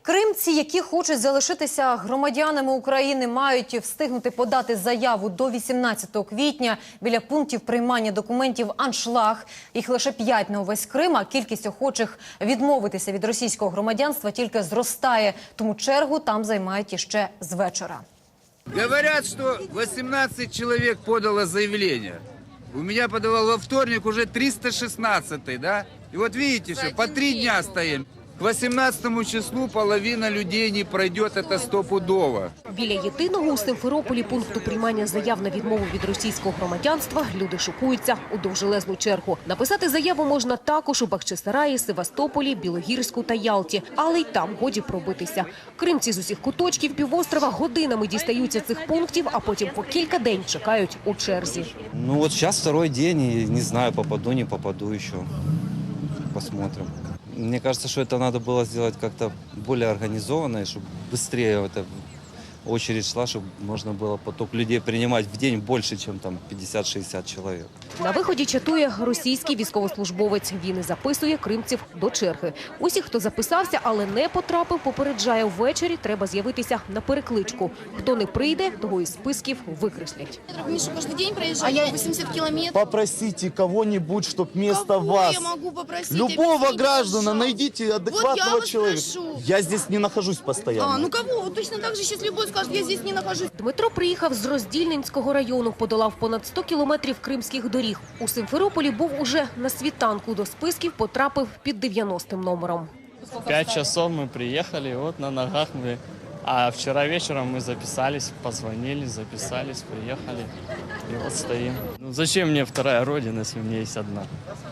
Кримці, які хочуть залишитися громадянами України, мають встигнути подати заяву до 18 квітня біля пунктів приймання документів «Аншлаг». Їх лише 5 на увесь Крим, а кількість охочих відмовитися від російського громадянства тільки зростає. Тому чергу там займають іще з вечора. Говорят, что 18 человек подало заявление. У меня подавал во вторник уже 316-й, да? И вот видите, что по 3 дня стоим. К 18 числу половина людей не пройдет, это стопудово. Біля єдиного у Симферополі пункту приймання заяв на відмову від російського громадянства люди шокуються у довжелезну чергу. Написати заяву можна також у Бахчисараї, Севастополі, Білогірську та Ялті. Але й там годі пробитися. Кримці з усіх куточків півострова годинами дістаються цих пунктів, а потім по кілька день чекають у черзі. Ну вот сейчас второй день, и не знаю, попаду, не попаду еще. Посмотрим. Мне кажется, что это надо было сделать как-то более организованно, чтобы быстрее эта очередь шла, чтобы можно было поток людей принимать в день больше, чем там 50-60 человек. На виході чатує російський військовослужбовець. Він і записує кримців до черги. Усіх, хто записався, але не потрапив, попереджає, ввечері треба з'явитися на перекличку. Хто не прийде, того із списків викреслять. Миша каждый день проезжает 80 километров. Попросите кого-нибудь, чтобы вместо вас, я могу попросить? любого Объясните, граждана, пожалуйста. найдите адекватного Вот я человека. вас прошу. Я здесь не нахожусь постоянно. Ну кого? Вот точно так же сейчас любой скажет, я здесь не нахожусь. Дмитро приїхав з Роздільненського району, подолав понад 100 кілометрів кримських доріг. У Симферополі був уже на світанку, до списків потрапив під 90-м номером. 5 часов мы приехали, вот на ногах мы. А вчера вечером мы записались, позвонили, записались, приехали. И вот стоим. Ну, зачем мне вторая родина, если у меня есть одна?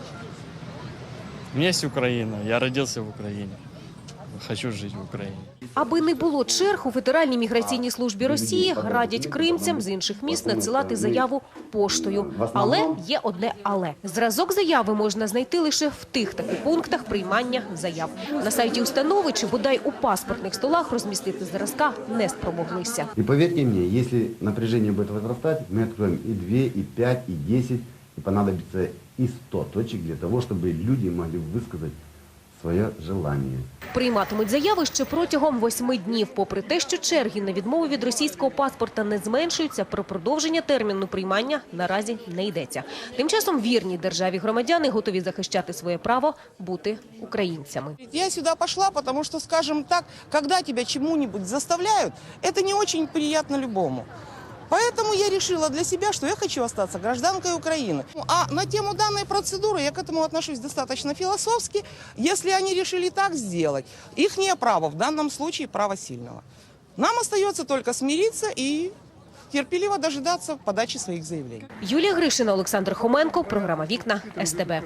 У меня есть Украина, я родился в Украине. Хочу жить в Україні. Аби не було черг, у Федеральній міграційній службі Росії радять кримцям з інших міст надсилати заяву поштою. Але є одне «але». Зразок заяви можна знайти лише в тих таких пунктах приймання заяв. На сайті установи чи бодай у паспортних столах розмістити зразка не спромоглися. И поверьте мне, если напряжение будет возрастать, мы откроем и 2, и 5, и 10, и понадобится и 100 точек для того, чтобы люди могли высказать своє желання. Прийматимуть заяви ще протягом 8 днів. Попри те, що черги на відмову від російського паспорта не зменшуються, про продовження терміну приймання наразі не йдеться. Тим часом вірні державі громадяни готові захищати своє право бути українцями. Я сюда пошла, потому что, скажем так, когда тебя чему-нибудь заставляют, это не очень приятно любому. Поэтому я решила для себя, что я хочу остаться гражданкой Украины. А на тему данной процедуры я к этому отношусь достаточно философски. Если они решили так сделать, ихнее право, в данном случае право сильного. Нам остается только смириться и терпеливо дожидаться подачи своих заявлений. Юлія Гришина, Олександр Хоменко, програма «Вікна», СТБ.